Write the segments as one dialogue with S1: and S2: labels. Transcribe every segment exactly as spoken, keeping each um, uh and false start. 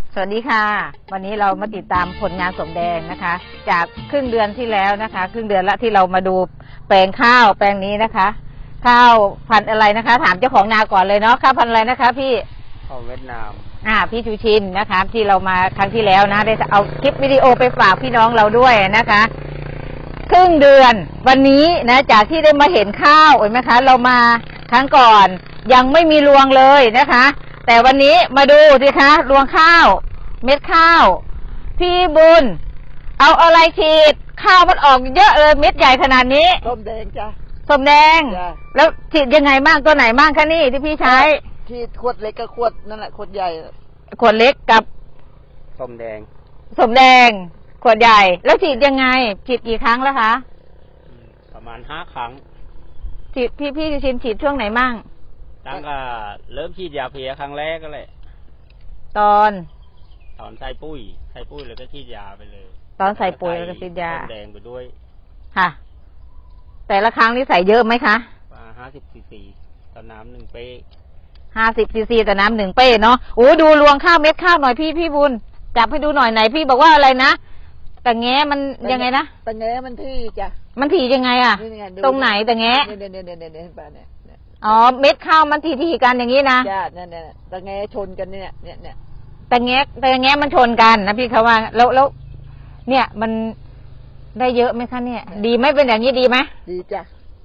S1: สวัสดีค่ะวันนี้เรามาติดตามผลงานสมแดงนะคะ จากครึ่งเดือนที่แล้วนะคะ ครึ่งเดือนละที่เรามาดูแปลงข้าวแปลงนี้นะคะ ข้าวพันธุ์อะไรนะคะ ถามเจ้าของนาก่อนเลยเนาะข้าวพันธุ์อะไรนะคะพี่
S2: ข้าวเวียดนาม
S1: อ่าพี่ชูชินนะคะ ที่เรามาครั้งที่แล้วนะได้เอาคลิปวิดีโอไปฝากพี่น้องเราด้วยนะคะครึ่งเดือนวันนี้นะจากที่ได้มาเห็นข้าวเห็นไหมคะเรามาครั้งก่อนยังไม่มีรวงเลยนะคะแต่วันนี้มาดูสิคะรวงข้าวเม็ดข้าวพี่บุญเอาอะไรฉีดข้าวมันออกเยอะเลยเม็ดใหญ่ขนาดนี้
S2: ส้มแดงจ้ะ
S1: ส้มแดงแล้วฉีดยังไงบ้างตัวไหนบ้างคะนี่ที่พี่ใช้
S2: ฉีดขวดเล็กกับขวดนั่นแหละขวดใหญ่
S1: ขวดเล็กกับ
S2: ส้มแดง
S1: ส้มแดงขวดใหญ่แล้วฉีดยังไงฉีดกี่ครั้งแล้วคะ
S2: ประมาณห้าครั้ง
S1: ฉีดพี่พี่ชินฉีดช่วงไหนมั่ง
S2: ตั้งแต่เริ่มฉีดยาเพลียครั้งแรกก็เลย
S1: ตอน
S2: ตอนใส่ปุ้ยใส่ปุ้ยแล้วก็ฉีดยาไปเลย
S1: ตอนใส่ปุ๋ยแล้วก็ฉีดยา
S2: แดงไปด้วย
S1: ค่ะแต่ละครั้งนี่ใส่เยอะไหมคะ
S2: ห้าสิบซีซีต่อน้ำหนึ่งเป้
S1: ห้าสิบซีซีต่อน้ำหนึ่งเป้เนาะโอ้ดูรวงข้าวเม็ดข้าวหน่อยพี่พี่บุญจับให้ดูหน่อยไหนพี่บอกว่าอะไรนะแต่แง้มันยังไงนะ
S2: แต่แง้มันที่จ้ะ
S1: มันถี่ยังไงอะตรงไหนแต่แง้
S2: เนี่ยเนี่ยเนี่ยเนี่ยเนี่ย
S1: อ๋อเม็ดข้าวมันถี่ถี่กันอย่างนี้นะ
S2: จ้ะเนี่ยเนี่ยแต่แง้ชนกันเนี่ยเนี่ยเนี่ย
S1: แต่แง้แต่แง้มันชนกันนะพี่เขาว่าแล้วแล้วเนี่ยมันได้เยอะไหมคะเนี่ยดีไหมเป็นอย่างนี้ดีไหม
S2: ดีจ้ะ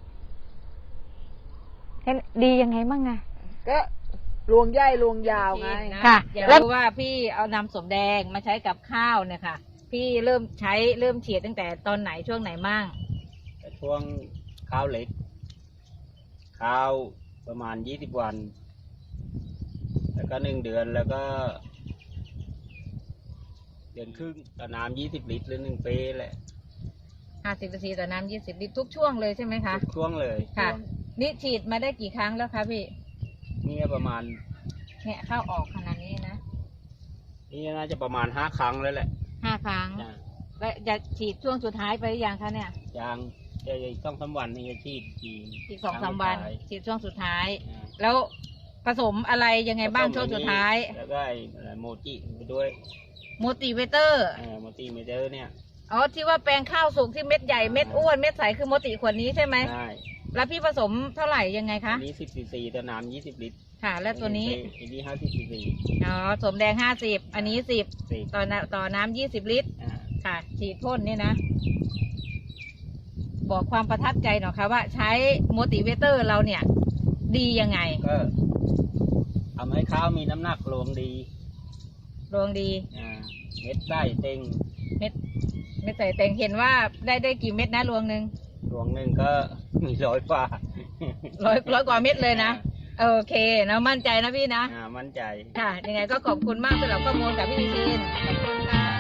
S1: ดียังไงบ้างไง
S2: ก็รวงใหญ่รวงยาวไง
S1: ค่ะแล้วว่าพี่เอานำสมแดงมาใช้กับข้าวเนี่ยค่ะพี่เริ่มใช้เริ่มฉีดตั้งแต่ตอนไหนช่วงไหนมั่ง
S2: ช่วงข้าวเล็กข้าวประมาณยี่สิบวันแล้วก็หนึ่งเดือนแล้วก็เดือนครึ่งต่อน้ำยี่สิบลิตรหรือหนึ่งเป้แหละ
S1: ห้าสิบซีต่อน้ำยี่สิบลิตรทุกช่วงเลยใช่ไหมคะ
S2: ทุกช่วงเลย
S1: ค่ะนี่ฉีดมาได้กี่ครั้งแล้วคะพี่
S2: นี่ประมาณ
S1: เนี่ยเข้าออกขนาดนี้นะ
S2: นี่น่าจะประมาณห้าครั้งแล้วแหละ
S1: ห้าครั้งแล้วจะฉีดช่วงสุดท้ายไปหรือยังคะเนี่ย
S2: ยังจะอีกสองสามวันนี่จะฉีด
S1: อีกสองสามวันฉีดช่วงสุดท้ายแล้วผสมอะไรยังไงบ้างช่วงสุดท้าย
S2: แล้วก็โมจิไปด้วย
S1: โมติเวเตอร์
S2: โมติเวเตอร์เนี่ย
S1: อ๋อที่ว่าแปลงข้าวสุกที่เม็ดใหญ่เม็ดอ้วนเม็ดใสคือโมติขวดนี้ใช่ไหม
S2: ใช่
S1: แล้วพี่ผสมเท่าไหร่ยังไงคะ
S2: นี้สิบซีซีต่อน้ำยี่สิบลิตร
S1: ค่ะแล้วตัวนี้
S2: อันนี้ห้าสิบซีซี
S1: อ๋อสมแดงห้าสิบอันนี้สิบต่อต่อน้ำยี่สิบลิตรค่ะฉีดพ่นนี่นะบอกความประทับใจหน่อยค่ะว่าใช้โมติเวเตอร์เราเนี่ยดียังไง
S2: ก็ทำให้ข้าวมีน้ำหนักรวงดี
S1: รวงดี
S2: อ่าเม็ดใส่เต็ง
S1: เม็ดเม็ดใส่เต็งเห็นว่าได้ได้กี่เม็ดนะรวงหนึ่ง
S2: รวงหนึ่งก็มีร้อยกว่า
S1: ร้อยร้อยกว่าเม็ดเลยนะโอเคนะมั่นใจนะพี่นะ
S2: อ่ามั่นใจ
S1: ค่ะยังไงก็ขอบคุณมากสำหรับข้อมูลกับพี่ชินขอบคุณค่ะ